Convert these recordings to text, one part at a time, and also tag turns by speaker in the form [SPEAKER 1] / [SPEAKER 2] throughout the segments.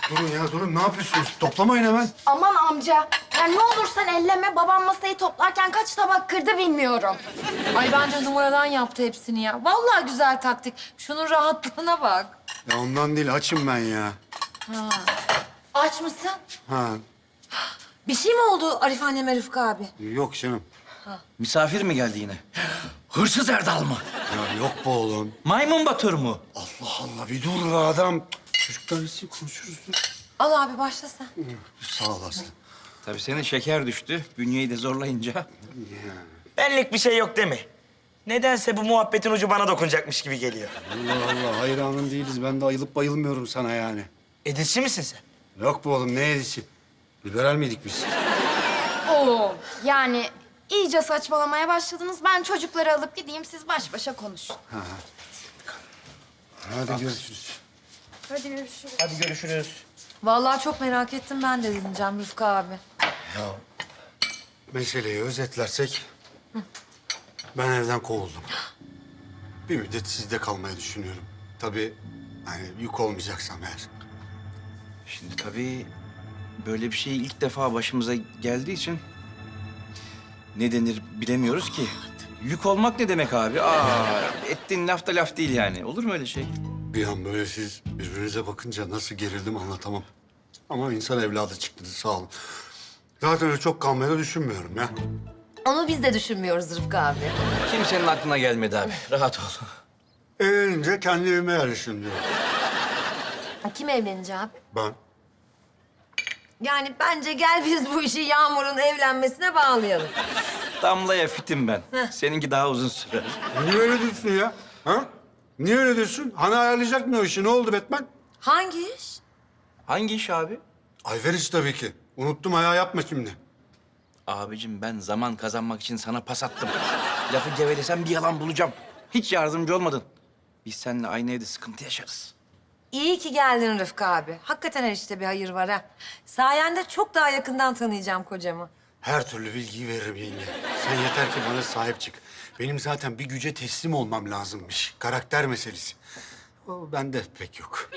[SPEAKER 1] Durun ya durun. Ne yapıyorsunuz? Toplamayın hemen.
[SPEAKER 2] Aman amca. Yani ne olursan elleme. Babam masayı toplarken kaç tabak kırdı bilmiyorum.
[SPEAKER 3] Ay bence numaradan yaptı hepsini ya. Vallahi güzel taktik. Şunun rahatlığına bak.
[SPEAKER 1] Ya ondan değil. Açım ben ya.
[SPEAKER 3] Aç mısın?
[SPEAKER 1] Ha.
[SPEAKER 3] Bir şey mi oldu Arif anneme Rıfkı abi?
[SPEAKER 1] Yok canım.
[SPEAKER 4] Misafir mi geldi yine? Hırsız Erdal mı?
[SPEAKER 1] Ya yok bu oğlum.
[SPEAKER 4] Maymun Batur mu?
[SPEAKER 1] Allah Allah bir dur be adam. Çocuklar nasıl konuşuruz?
[SPEAKER 3] Al abi başla sen.
[SPEAKER 1] Sağ ol Aslı.
[SPEAKER 4] Tabii senin şeker düştü. Bünyeyi de zorlayınca.
[SPEAKER 5] Benlik bir şey yok değil mi? Nedense bu muhabbetin ucu bana dokunacakmış gibi geliyor.
[SPEAKER 1] Allah Allah hayranın değiliz. Ben de ayılıp bayılmıyorum sana yani.
[SPEAKER 5] Edilçi misin sen?
[SPEAKER 1] Yok bu oğlum ne edisi? Liberal miydik biz?
[SPEAKER 2] Oo. Yani iyice saçmalamaya başladınız. Ben çocukları alıp gideyim. Siz baş başa konuşun.
[SPEAKER 1] Hadi görüşürüz.
[SPEAKER 2] Hadi görüşürüz.
[SPEAKER 5] Hadi görüşürüz.
[SPEAKER 3] Vallahi çok merak ettim ben de dinleyeceğim Rıfkı abi.
[SPEAKER 1] Ya meseleyi özetlersek ben evden kovuldum. Bir müddet sizde kalmayı düşünüyorum. Tabii hani yük olmayacaksam eğer.
[SPEAKER 4] Şimdi tabii böyle bir şey ilk defa başımıza geldiği için ne denir bilemiyoruz ki. Yük olmak ne demek abi? Ettiğin laf da laf değil yani. Olur mu öyle şey?
[SPEAKER 1] Bir an böyle siz birbirinize bakınca nasıl gerildim anlatamam. Ama insan evladı çıktı sağ olun. Zaten öyle çok kalmayı da düşünmüyorum ya.
[SPEAKER 3] Onu biz de düşünmüyoruz Rıfkı abi.
[SPEAKER 4] Kimsenin aklına gelmedi abi. Rahat ol.
[SPEAKER 1] Evlenince kendi evime yerleşirim diyorum.
[SPEAKER 3] Kim evlenecek abi?
[SPEAKER 1] Ben.
[SPEAKER 3] Yani bence gel biz bu işi Yağmur'un evlenmesine bağlayalım.
[SPEAKER 4] Damlaya fitim ben. Seninki daha uzun sürer.
[SPEAKER 1] Niye öyle diyorsun ya? Ha? Niye öyle diyorsun? Hani ayarlayacak mı o işi? Ne oldu Batman?
[SPEAKER 3] Hangi iş?
[SPEAKER 4] Hangi iş abi?
[SPEAKER 1] Ayveriş tabii ki. Unuttum ayağı yapma şimdi.
[SPEAKER 4] Abicim ben zaman kazanmak için sana pas attım. Lafı gevelesem bir yalan bulacağım. Hiç yardımcı olmadın. Biz seninle aynı evde sıkıntı yaşarız.
[SPEAKER 3] İyi ki geldin Rıfkı abi. Hakikaten her işte bir hayır var ha. Sayende çok daha yakından tanıyacağım kocamı.
[SPEAKER 1] Her türlü bilgiyi veririm yenge. Sen yeter ki bana sahip çık. Benim zaten bir güce teslim olmam lazımmış. Karakter meselesi. O bende pek yok.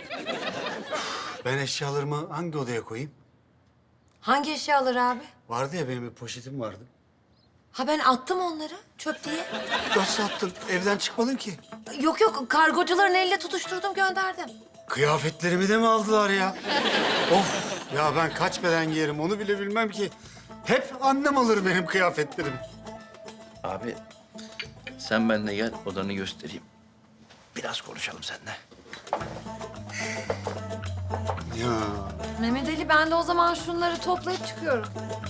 [SPEAKER 1] Ben eşyalarımı hangi odaya koyayım?
[SPEAKER 3] Hangi eşyaları abi?
[SPEAKER 1] Vardı ya benim bir poşetim vardı.
[SPEAKER 3] Ha ben attım onları çöp diye.
[SPEAKER 1] Nasıl attın? Evden çıkmadın ki.
[SPEAKER 3] Yok yok kargocuların eliyle tutuşturdum gönderdim.
[SPEAKER 1] Kıyafetlerimi de mi aldılar ya? Of! Ya ben kaç beden giyerim onu bile bilmem ki. Hep annem alır benim kıyafetlerimi.
[SPEAKER 4] Abi sen benimle gel odanı göstereyim. Biraz konuşalım seninle.
[SPEAKER 1] Ya
[SPEAKER 3] Mehmet Ali ben de o zaman şunları toplayıp çıkıyorum.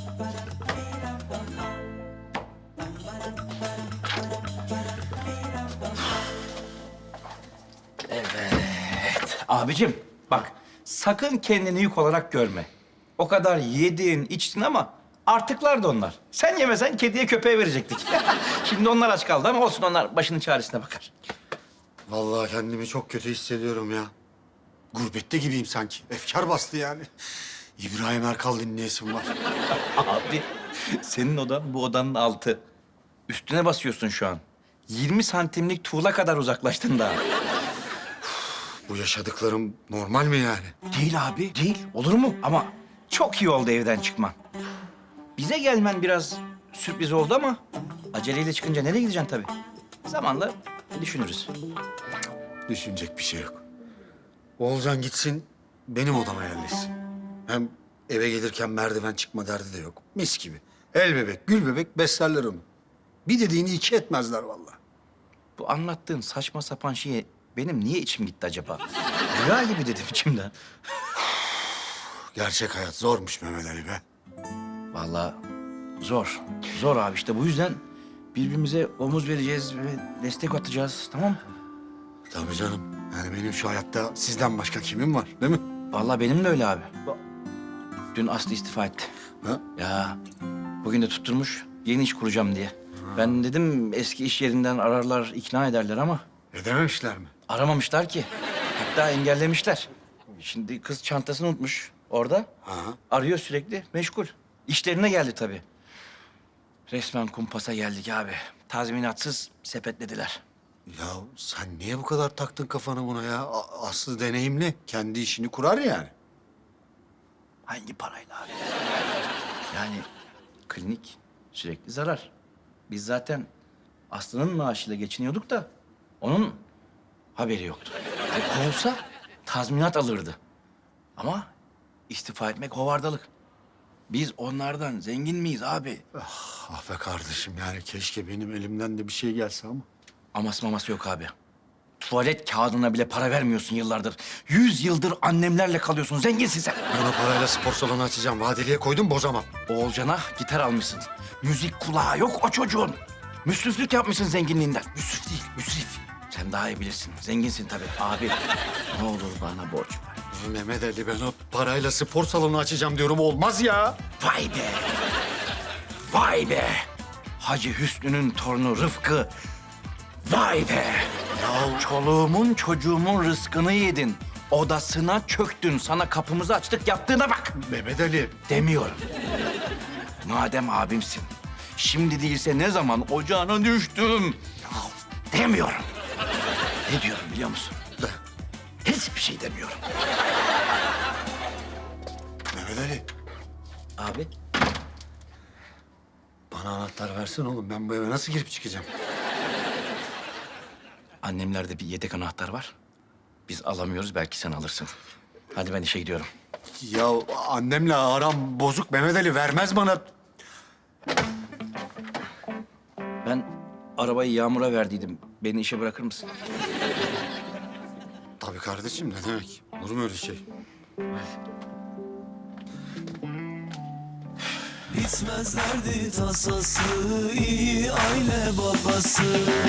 [SPEAKER 4] Abicim bak sakın kendini yük olarak görme. O kadar yedin, içtin ama artıklar da onlar. Sen yemesen kediye köpeğe verecektik. Şimdi onlar aç kaldı ama olsun onlar başının çaresine bakar.
[SPEAKER 1] vallahi kendimi çok kötü hissediyorum ya. Gurbette gibiyim sanki. Efkar bastı yani. İbrahim Erkal dinleyesim var.
[SPEAKER 4] Abi senin odan bu odanın altı. Üstüne basıyorsun şu an. 20 santimlik tuğla kadar uzaklaştın daha.
[SPEAKER 1] Bu yaşadıklarım normal mi yani?
[SPEAKER 4] Değil abi, değil. Olur mu? Ama çok iyi oldu evden çıkman. Bize gelmen biraz sürpriz oldu ama aceleyle çıkınca nereye gideceksin tabii? Zamanla düşünürüz.
[SPEAKER 1] Düşünecek bir şey yok. Oğulcan gitsin, benim odama yerleşsin. Hem eve gelirken merdiven çıkma derdi de yok. Mis gibi. El bebek, gül bebek beslerler onu. Bir dediğini iki etmezler vallahi.
[SPEAKER 4] Bu anlattığın saçma sapan şeye benim niye içim gitti acaba? Rüya gibi dedim içimden.
[SPEAKER 1] Gerçek hayat zormuş Mehmet Ali be.
[SPEAKER 4] Vallahi zor. Zor abi işte bu yüzden birbirimize omuz vereceğiz ve destek atacağız tamam mı?
[SPEAKER 1] Tabii canım. Yani benim şu hayatta sizden başka kimim var değil mi?
[SPEAKER 4] Vallahi benim de öyle abi. Dün Aslı istifa etti.
[SPEAKER 1] Ha?
[SPEAKER 4] Ya bugün de tutturmuş yeni iş kuracağım diye. Ben dedim eski iş yerinden ararlar, ikna ederler ama
[SPEAKER 1] Edememişler mi?
[SPEAKER 4] aramamışlar ki. Hatta engellemişler. Şimdi kız çantasını unutmuş orada.
[SPEAKER 1] Ha.
[SPEAKER 4] Arıyor sürekli, meşgul. İşlerine geldi tabii. Resmen kumpasa geldik abi. Tazminatsız sepetlediler.
[SPEAKER 1] Ya sen niye bu kadar taktın kafanı buna ya? Aslı deneyimli. Kendi işini kurar yani.
[SPEAKER 4] Hangi parayla abi? Yani klinik sürekli zarar. Biz zaten Aslı'nın maaşıyla geçiniyorduk da onun haberi yoktu. Kovulsa tazminat alırdı. Ama istifa etmek hovardalık. Biz onlardan zengin miyiz abi?
[SPEAKER 1] Ah be kardeşim yani keşke benim elimden de bir şey gelse ama.
[SPEAKER 4] Aması maması yok abi. Tuvalet kağıdına bile para vermiyorsun yıllardır. 100 yıldır annemlerle kalıyorsun. Zenginsin sen.
[SPEAKER 1] Ben o parayla spor salonu açacağım. Vadeliye koydum bozamam.
[SPEAKER 4] Oğulcan'a gitar almışsın. Müzik kulağı yok o çocuğun. Müsriflik yapmışsın zenginliğinden. Müsrif değil, müsrif. Sen daha iyi bilirsin. Zenginsin tabii. Abi ne olur bana borç ver.
[SPEAKER 1] Mehmet Ali ben o parayla spor salonu açacağım diyorum olmaz ya.
[SPEAKER 4] Vay be! Vay be! Hacı Hüsnü'nün torunu Rıfkı. Vay be! Ya çoluğumun çocuğumun rızkını yedin. Odasına çöktün. Sana kapımızı açtık. Yaptığına bak.
[SPEAKER 1] Mehmet Ali.
[SPEAKER 4] Demiyorum. Madem abimsin, şimdi değilse ne zaman ocağına düştüm? Ya demiyorum. Ne diyorum biliyor musun? Hiçbir şey demiyorum.
[SPEAKER 1] Mehmet Ali.
[SPEAKER 4] Abi,
[SPEAKER 1] Bana anahtar versene oğlum. Ben bu eve nasıl girip çıkacağım?
[SPEAKER 4] annemlerde bir yedek anahtar var. Biz alamıyoruz, belki sen alırsın. Hadi ben işe gidiyorum.
[SPEAKER 1] Ya annemle aram bozuk Mehmet Ali vermez bana.
[SPEAKER 4] Ben arabayı Yağmur'a verdiydim. Beni işe bırakır mısın?
[SPEAKER 1] Tabii kardeşim ne demek? Olur mu öyle şey?
[SPEAKER 6] Bitmezlerdi tasası, iyi aile babası.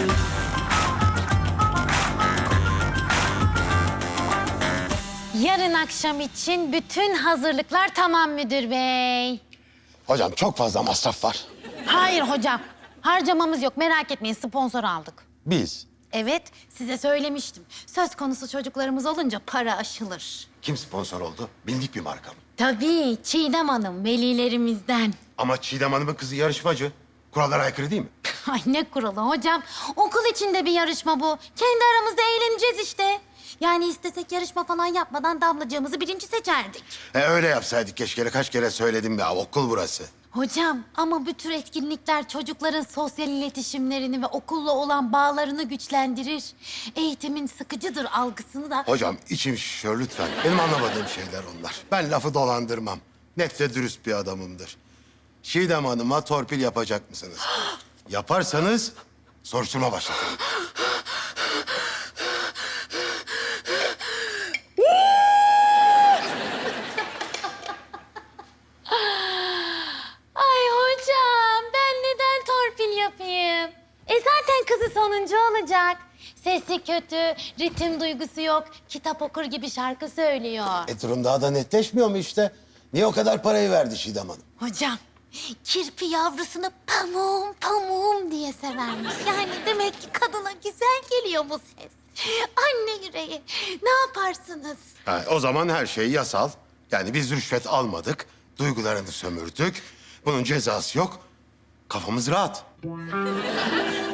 [SPEAKER 7] Yarın akşam için bütün hazırlıklar tamam müdür bey.
[SPEAKER 8] Hocam çok fazla masraf var.
[SPEAKER 7] Hayır hocam, harcamamız yok. Merak etmeyin, sponsor aldık.
[SPEAKER 8] Biz.
[SPEAKER 7] Evet, size söylemiştim. Söz konusu çocuklarımız olunca para aşılır.
[SPEAKER 8] Kim sponsor oldu? Bildik bir marka mı?
[SPEAKER 7] Tabii, Çiğdem Hanım, velilerimizden.
[SPEAKER 8] Ama Çiğdem Hanım'ın kızı yarışmacı. Kurallara aykırı değil mi?
[SPEAKER 7] Ay ne kuralı hocam. Okul içinde bir yarışma bu. Kendi aramızda eğleneceğiz işte. Yani istesek yarışma falan yapmadan damlacığımızı birinci seçerdik.
[SPEAKER 8] Öyle yapsaydık keşke. Kaç kere söyledim ya. Okul burası.
[SPEAKER 7] Hocam ama bu tür etkinlikler çocukların sosyal iletişimlerini ve okulla olan bağlarını güçlendirir. Eğitimin sıkıcıdır algısını da...
[SPEAKER 8] Hocam içim şişiyor lütfen. Benim anlamadığım şeyler onlar. Ben lafı dolandırmam. Net ve dürüst bir adamımdır. Çiğdem Hanım'a torpil yapacak mısınız? Yaparsanız soruşturma başlatırım.
[SPEAKER 7] Ay hocam ben neden torpil yapayım? Zaten kızı sonuncu olacak. Sesi kötü, ritim duygusu yok, kitap okur gibi şarkı söylüyor.
[SPEAKER 8] Durum daha da netleşmiyor mu işte? Niye o kadar parayı verdi Çiğdem Hanım?
[SPEAKER 7] Hocam, kirpi yavrusunu pamuğum pamuğum diye severmiş. Yani demek ki kadına güzel geliyor bu ses. Anne yüreği, ne yaparsınız?
[SPEAKER 8] O zaman her şey yasal. Yani biz rüşvet almadık, duygularını sömürdük. Bunun cezası yok. Kafamız rahat.